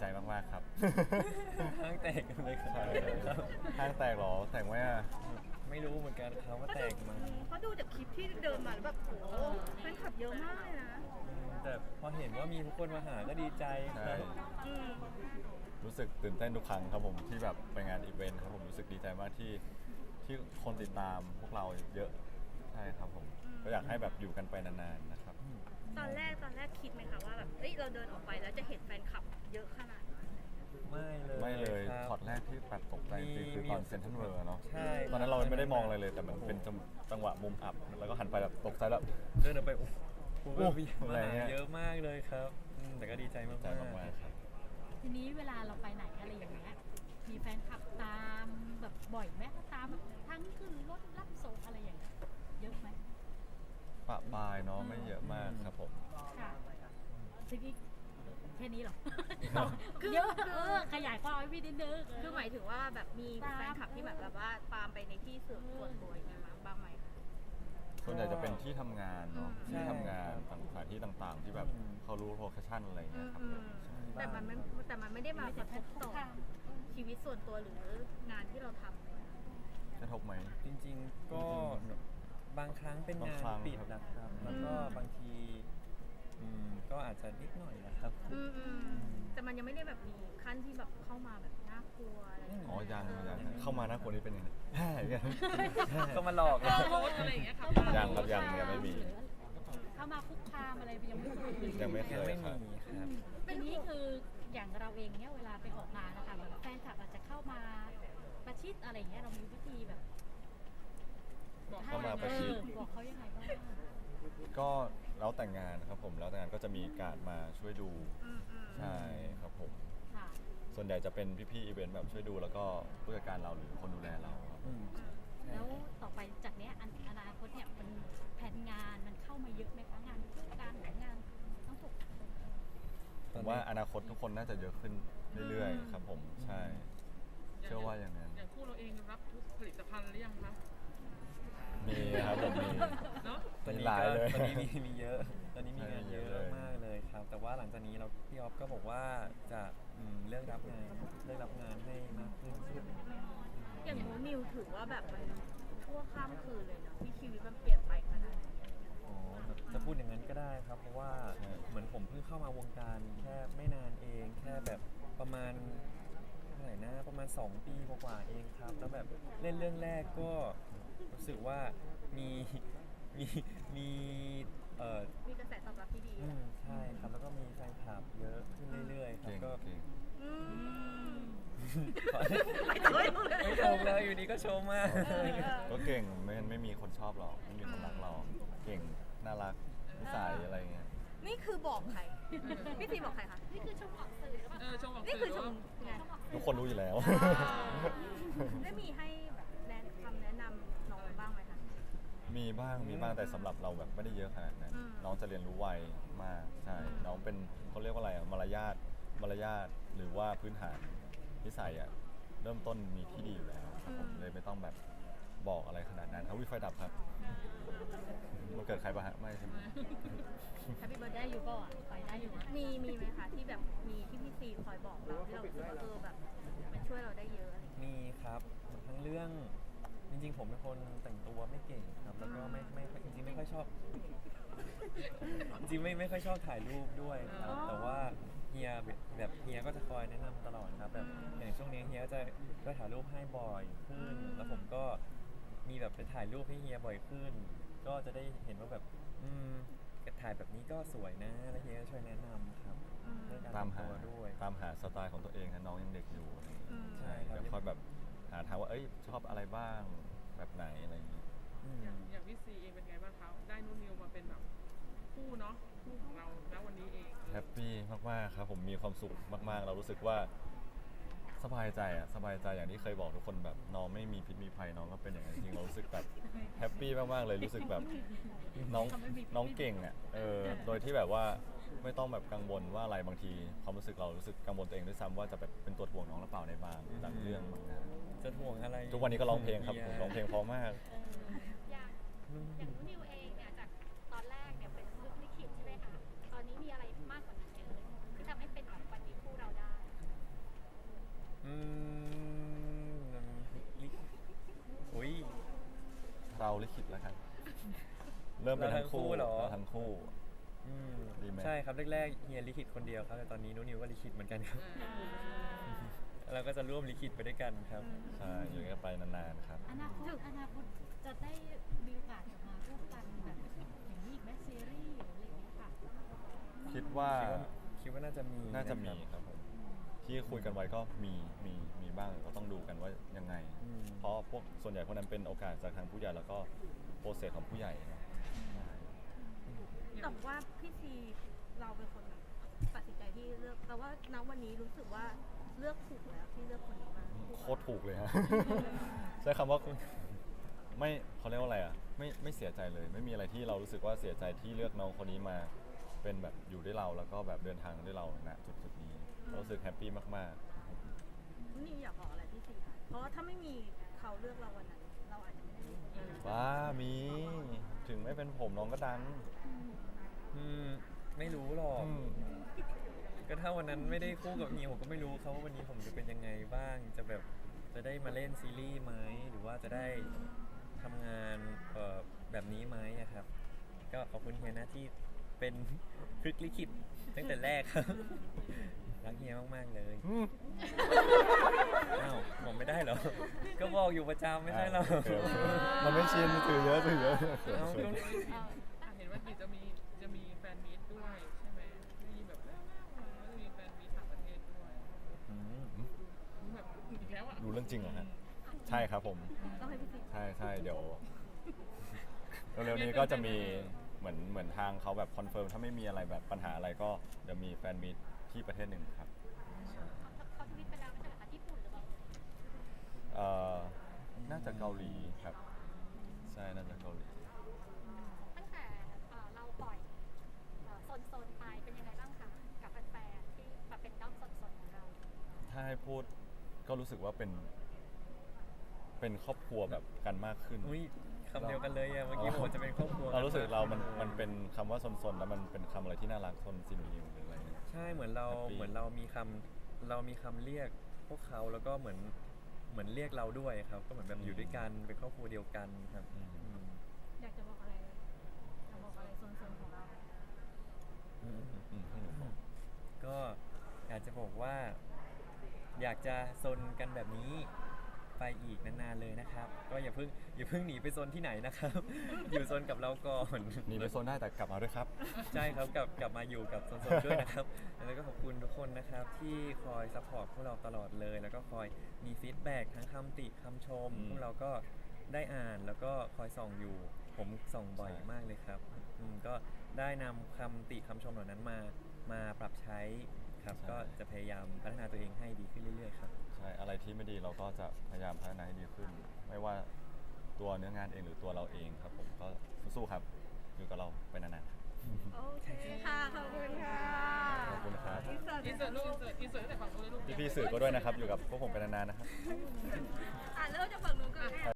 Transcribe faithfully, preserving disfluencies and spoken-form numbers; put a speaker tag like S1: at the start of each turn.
S1: มากๆครับ
S2: ห้างแตกกันเลยครับ
S1: ใช่ห้างแตกเหรอแตกไหมอ่ะ
S2: ไม่รู้เหมือนกันครับว่าแตกมา
S3: เพราะดูจากคลิปที่เดินมาแล้วแบบโอ้แฟนคลับเยอะมากเลยนะ
S2: แต่พอเห็นว่ามีทุกคนมาหาก็ดีใจค
S1: ใช่
S2: รับ
S3: อืม
S1: รู้สึกตื่นเต้นทุกครั้งครับผมที่แบบไปงานอีเวนต์ครับผมรู้สึกดีใจมากที่ที่คนติดตามพวกเราเยอะใช่ครับผมก็อยากให้แบบอยู่กันไปนานๆนะครับ
S3: ตอนแรกตอนแรกคิดไหมคะว่าแบบเอ้ยเราเดินออกไปแล้วจะเห็นแฟนคลับเยอะขนาดนั้น
S2: ไม่เลย
S1: ไม่เลย
S2: ครับ
S1: ช็อตแรกที่แบบตกใจจริงๆคือตอนเซนทรัลเวิลด์เนาะ
S2: ใช่
S1: ตอนนั้นเราไม่ได้มองอะไรเลยแต่มันเป็นจังจังหวะมุมอับแล้วก็หันไปแบบตกใจแล้ว
S2: เดินออกไปโอ้โห
S1: โอ้
S2: แบบมี
S1: อะไร
S2: มา
S1: เงี้
S2: หาย เยอะมากเลยครับอืมแต่ก็ดีใจมาก
S1: ใจมากๆครับ
S4: ทีนี้เวลาเราไปไหนอะไรอย่างเงี้ย มีแฟนคลับตามแบบบ่อยไหมตามแบบทั้งขึ้นรถรับส่งอะไรอย่างเงี้ย เยอะไหม
S1: ปะปายเนาะไม่เยอะมากครับผม
S4: ค่ะทีนี้แค่นี้เหรอ เยอะเออขยายความให้พี่นิดนึง
S3: คือหมายถึงว่าแบบมีแฟนคลับที่แบบแบบว่าตามไปในที่ส่วนส่วนตัวอย่างเงี้ยมาบ้างไหมคะ
S1: ส่วนใหญ่จะเป็นที่ทำงานเนาะที่ทำงานต่างสถานที่ต่างๆ ที่แบบเขารู้โลเคชั่นอะไร
S3: อื
S1: เงี้ย
S3: ม
S1: ครับ
S3: อื
S1: ผม
S3: ม
S1: ใช่
S3: แต่มันไม่แต่มันไม่ได้มากระทบต่อชีวิตส่วนตัวหรืองานที่เราทำเลย
S1: กระทบไหม
S2: จริงๆก็บางครั้งเป็นงา
S1: บางครั้
S2: น
S1: ง
S2: ปิดนะครับแล้วก็บางทีอืมก็อาจจะนิดหน่อยนะครับ
S3: อืมอืมแต่มันยังไม่ได้แบบมีขั้นที่แบบเข้ามาแบบน่ากลัวอะไรอย่างเงี้ย
S1: อ๋อยังยังเข้ามาหน้าคนนี้เป็นยังไงแฮ่ยัง
S2: ก็มาหลอกเรา
S3: โพสอะไรอย่างเงี้ยครับ
S1: ยังครับยังยังไม่มี
S4: เข้ามาคุกคามอะไรยังไม่เคย
S1: ยังไม่เค
S2: ยัง
S1: ย
S2: ไม่
S1: ครับ
S2: มีครับ
S4: ทีนี้คืออย่างเราเองเนี่ยเวลาไปออกงานนะคะแบบแฟนคลับอาจจะเข้ามาประชิดอะไรอย่างเงี้ยเรามีวิธีแบบ
S1: เข้ามาประชิด
S4: เออบอกเขายังไงบ้าง
S1: ก็แล้วแต่งงานครับผมแล้วแต่งงานก็จะมีการดมาช่วยดู
S3: อืมอืม
S1: ใช่ครับผม
S4: ค่ะ
S1: ส่วนใหญ่จะเป็นพี่ๆอีเวนต์แบบช่วยดูแล้วก็ผู้จัดการเราหรือคนดูแลเราครับ
S2: อืม
S4: แล้วต่อไปจากเนี้ยอันอนาคตเนี่ยมันแผนงานมันเข้ามาเยอะไหมคะงานคู่การหรืองานทั้งหมด
S1: ผมว่าอนาคตทุกคนน่าจะเยอะขึ้นเรื่อยๆครับผมใช่ เชื่อว่าอย่างนั้น
S5: อย่างคู่เราเองรับทุกผลิตภัณฑ์หรือยังคะ
S1: มีครับผมมี
S5: เนาะ
S2: ตอน
S1: มี
S2: นี้
S1: หลาย
S2: ก็
S1: เลย
S2: ตอนนี้มีมีเยอะ ตอนนี้มีงานเยอะ
S1: เยอะเลย
S2: มากเลยครับ แต่ว่าหลังจากนี้เราพี่ออฟก็บอกว่าจะอืมเลิกรับงานเลิกรับงานให้มากขึ้น
S3: อย่างหนูนิวถือว่าแบบมันชั่วข้ามคืนเลยเนาะที่ชีวิตมันเปลี่ยนไปขนาดนี้
S2: อ๋อจะพูดอย่างนั้นก็ได้ครับ เพราะว่าเหมือนผมเพิ่งเข้ามาวงการแค่ไม่นานเอง แค่แบบประมาณเท่าไหร่นะประมาณสองปีกว่าๆเองครับ แล้วแบบเล่นเรื่องแรกก็รู้สึกว่ามีมีมีเอ่อ
S3: มีกระแสตอบรับที่ดี
S2: อืมใช่ครับแล้วก็มีแฟนคลับเยอะขึ้นเรื่อยๆครับ
S1: เก่ง
S2: ก็
S1: เก่ง
S3: อืม
S2: ขอ
S3: ไม่ถึงเลยเลย
S2: ไม่ชมเลยอยู่ดีก็ชมมาก
S1: ก็เก่งไม่งั้นไม่มีคนชอบเราไม่มีคนรักเรา เก่งน่ารักนิสัยอะไรเงี้ย
S3: นี่คือบอกใคร พี่ซีบอกใครคะ
S4: นี่คือชมออกสื่อหรือเปล่า
S5: เออชมออก
S3: นี่
S5: สื่
S3: คือชม
S5: อ
S3: ไง
S1: ทุกคนรู้อยู่แล้ว
S3: ได้มีให้แบบแนะคำแนะนำน้องบ้างไหมคะ
S1: มีบ้างมีบ้างแต่สำหรับเราแบบไม่ได้เยอะขนาดนั้น
S3: อืม
S1: น้องจะเรียนรู้ไวมากใช่น้องเป็นเขาเรียกว่าอะไรอะมารยาทมารยาทหรือว่าพื้นฐานนิสัยอะเริ่มต้นมีที่ดีอยู่แล้วครับผมเลยไม่ต้องแบบบอกอะไรขนาดนั้นเอาวิไฟดับครับมันเกิดใครปะฮะไม่ใช่ไหม
S3: แฮปปี้เบิร์ด
S4: ได้อยู่เปล่าอ่ะไปได้อยู่นะ
S3: มีมีไหมคะที่แบบมีที่พี่ซีคอยบอกเราที่เรารู้สึกว่าเออแบบมันช่วยเราได้เยอะอะไรอย่างเงี้ย
S2: มีครับทั้งเรื่องจริงๆ ผมเป็นคนแต่งตัวไม่เก่งครับ แล้วก็ไม่ไม่จริงๆไม่ค่อยชอบ จริงๆไม่ไม่ค่อยชอบถ่ายรูปด้วยครับ แต่ว่าเฮียแบบแบบเฮียก็จะคอยแนะนำตลอดครับแบบอย่างช่วงนี้เฮียก็จะก็ถ่ายรูปให้บ่อยขึ้น แล้วผมก็มีแบบไปถ่ายรูปให้เฮียบ่อยขึ้น ก็จะได้เห็นว่าแบบอืมถ่ายแบบนี้ก็สวยนะแล้วเฮียก็ช่วยแนะนำครับเรื่องการ
S1: ตาม
S2: แต่ง
S1: หา
S2: ตัวด้วย
S1: ตามหาสไตล์ของตัวเองนะน้องยังเด็กอยู่อะไรอย่างเงี้ย
S3: อืม
S1: ใช่
S2: ครับ
S1: เดี๋ยวคอยแบบหาทางว่าเอ้ยชอบอะไรบ้างแบบไหนอะไรอย่างเงี้ย
S2: อืม
S5: อย่างอย่างพี่ซีเองเป็นไงบ้างคะได้นุ่นนิวมาเป็นแบบคู่เนาะคู่ของเราณวันนี้เอง
S1: แฮปปี้มากๆครับผมมีความสุขมากๆ เรารู้สึกว่าสบายใจอะสบายใจอย่างที่เคยบอกทุกคนแบบน้องไม่มีพิษมีภัยน้องก็เป็นอย่างนั้นจริงๆเรารู้สึกแบบแฮปปี้มากๆเลยรู้สึกแบบน้องน้องเก่งอะเออโดยที่แบบว่าไม่ต้องแบบกังวลว่าอะไรบางทีความรู้สึกเรารู้สึกกังวลตัวเองด้วยซ้ำว่าจะแบบเป็นตัวถ่วงน้องหรือเปล่าในบางบางเรื่องบางงาน
S2: จะห่วงอะไร
S1: ทุกวันนี้ก็ร้องเพลงครับผมร้องเพลงเพราะมาก
S4: อย่างอย่างนุ่นนิวเองเนี่ยจากตอนแรกเนี่ยเป็นลูกลิขิตใช่ไหมคะตอนนี้มีอะไรมากกว่านั้นเยอะที่ทำให้เป็นแบบวันนี้คู่เราได้
S1: ลิขิตแล้วกันเริ่มเป็นทั้งคู่
S2: เราทั้งคู่เหรอ
S1: เราทั้งคู่
S2: อืม
S1: ดีไหม
S2: ใช่ครับแรกๆเฮียลิขิตคนเดียวครับแต่ตอนนี้นุนิวก็ลิขิตเหมือนกันครับ เราก็จะร่วมลิขิตไปด้วยกันครับ
S1: ใช่อยู่กันไปนานๆครับ
S4: อนาคตอนาคตจะได้มีโอกาสกลับมาร่วมกันแบบอย่างนี้อีกไหมซีรีส์หรืออะไรอย่างเงี้ยค่ะ
S1: คิดว่า
S2: คิดว่าคิดว่าน่าจะมี
S1: น่าจะมี
S2: ครับ
S1: ครับผมที่คุยกันไว้ก็มีมีมีบ้างก็ต้องดูกันว่ายังไง
S2: อืม
S1: เพราะพวกส่วนใหญ่พวกนั้นเป็นโอกาสจากทางผู้ใหญ่แล้วก็โปรเซสของผู้ใหญ่เนอะใช่
S3: แต่ว่าพี่ซีเราเป็นคนแบบตัดสินใจที่เลือกแต่ว่าณวันนี้รู้สึกว่าเลือกถูกแล้วที่เลือกคนนี้มา
S1: โคตรถูกเลยฮะ ใช้คำว่าไม่เขาเรียกว่าอะไรอ่ะไม่ไม่เสียใจเลย ไม่มีอะไรที่เรารู้สึกว่าเสียใจที่เลือกน้องคนนี้มาเป็นแบบอยู่ด้วยเราแล้วก็แบบเดินทางด้วยเราณจุดจุดๆนี้เรารู้สึกแฮปปี้มาก
S3: นี่อยากบอกอะไรพี่ซีคะเพราะว่าถ้าไม่มีเขาเลือกเราวันนั้น เราอาจจะไม่ได้มีวันนี้
S1: ๆว้ามีถึงไม่เป็นผมน้องก็ดัง
S2: อืมไม่รู้หรอก
S1: อืม
S2: ก็ถ้าวันนั้นไม่ได้คู่กับเฮียผมก็ไม่รู้เขาว่าวันนี้ผมจะเป็นยังไงบ้าง จะแบบจะได้มาเล่นซีรีส์ไหมหรือว่าจะได้ทำงานเอ่อแบบนี้ไหมอะครับ ก็ขอบคุณเฮียนะที่เป็น พลิกลิขิตตั้งแต่แรกครับ รักเฮียมากๆเลย
S1: อืม
S2: อ้าวผมไม่ได้เหรอ ก็บอกอยู่ประจำไม่ใช่เหรอ
S1: โอเคโอเคมันไม่ชินถือเยอะถือเยอะ
S2: เอ้าก็
S5: อ่ะเห็นว่ากีจะมีจะมีแฟนมีตด้วยใช่ไหมได้ยินแบบแว่วๆมาว่าจะมีแฟนมีตต่างประเทศด้วย
S2: อืม
S5: แบบอีกแล้วอ่ะ
S1: รู้เรื่องจริงเหรอฮะใช่ครับผม
S3: ต้องให้พี่ซี
S1: ใช่ใช่เดี๋ยวเร็วๆนี้ก็จะมีเหมือนเหมือนทางเขาแบบคอนเฟิร์มถ้าไม่มีอะไรแบบปัญหาอะไรก็เดี๋ยวมีแฟนมีตที่ประเทศหนึ่งครับ
S4: เขาทวิตไปแล้วไม่ใช่เหรอคะญี่ปุ่นหรือเปล่า
S1: เอ่อน่าจะเกาหลีครับ ใช่น่าจะเกาหลี
S4: ตั้งแต่เอ่อเราปล่อยเอ่อโซนๆไปเป็นยังไงบ้างคะกับแฟนๆที่มาเป็นด้อมโซนๆของเรา
S1: ถ้าให้พูดก็รู้สึกว่าเป็น เป็นครอบครัวแบบกันมากขึ้น
S2: อุ้ยคำเดียวกันเลยอะเมื่อกี้ผมจะเป็นครอบครัว
S1: เรารู้สึกเรามันมันเป็นคำว่าซนๆแล้วมันเป็นคำอะไรที่น่ารักซนซินนิวหรืออะไรเนี่ย
S2: ใช่เหมือนเรา
S1: Happy
S2: เหมือนเรามีคำเรามีคำเรียกพวกเขาแล้วก็เหมือนเหมือนเรียกเราด้วยครับ ก็เหมือนแบบอยู่ด้วยกันเป็นครอบครัวเดียวกันครับ
S1: อืม
S2: อืม
S3: อยากจะบอกอะไรอยากบอกอะไรโซนๆของเรา
S2: อืม
S1: อืมให้หนูบอก
S2: ก็อยากจะบอกว่า อยากจะซนกันแบบนี้ไปอีกนานๆเลยนะครับ ก็อย่าเพิ่งอย่าเพิ่งหนีไปซนที่ไหนนะครับ อยู่ซนกับเราก่อน
S1: หนีไปโซนได้แต่กลับมาด้วยครับ
S2: ใช่ครับกลับกลับมาอยู่กับโซนๆด้วยนะครับ แล้วก็ขอบคุณทุกคนนะครับที่คอยซัพพอร์ตพวกเราตลอดเลย แล้วก็คอยมีฟีดแบ็กทั้งคำติคำชม
S1: อืม
S2: พวกเราก็ได้อ่านแล้วก็คอยส่องอยู่ ผมส่องบ่อย
S1: ใช่
S2: มากเลยครับอืมก็ได้นำคำติคำชมเหล่านั้นมามาปรับใช้ครับ ก็จะพยายามพัฒนาตัวเองให้ดีขึ้นเรื่อยๆครับ
S1: ใช่อะไรที่ไม่ดีเราก็จะพยายามพัฒนาให้ดีขึ้น ไม่ว่าตัวเนื้องานเองหรือตัวเราเองครับผมก็สู้ๆครับ อยู่กับเราไปนานๆครับ
S3: โอเคค่ะ ขอบคุณค่ะ
S1: ขอบคุณครับ
S3: อินเสิร์ต
S5: อินเสิร์ตลูกอินเสิร์ตอินเสิร์ตตั้งแต่ฝั่งนู้นเลยลูก
S1: พี่ๆสื่อก็ด้วยนะครับ อยู่กับพวกผมไปนานๆนะครับ
S3: อ่ะเริ่มจากฝั่งนู้นก่อน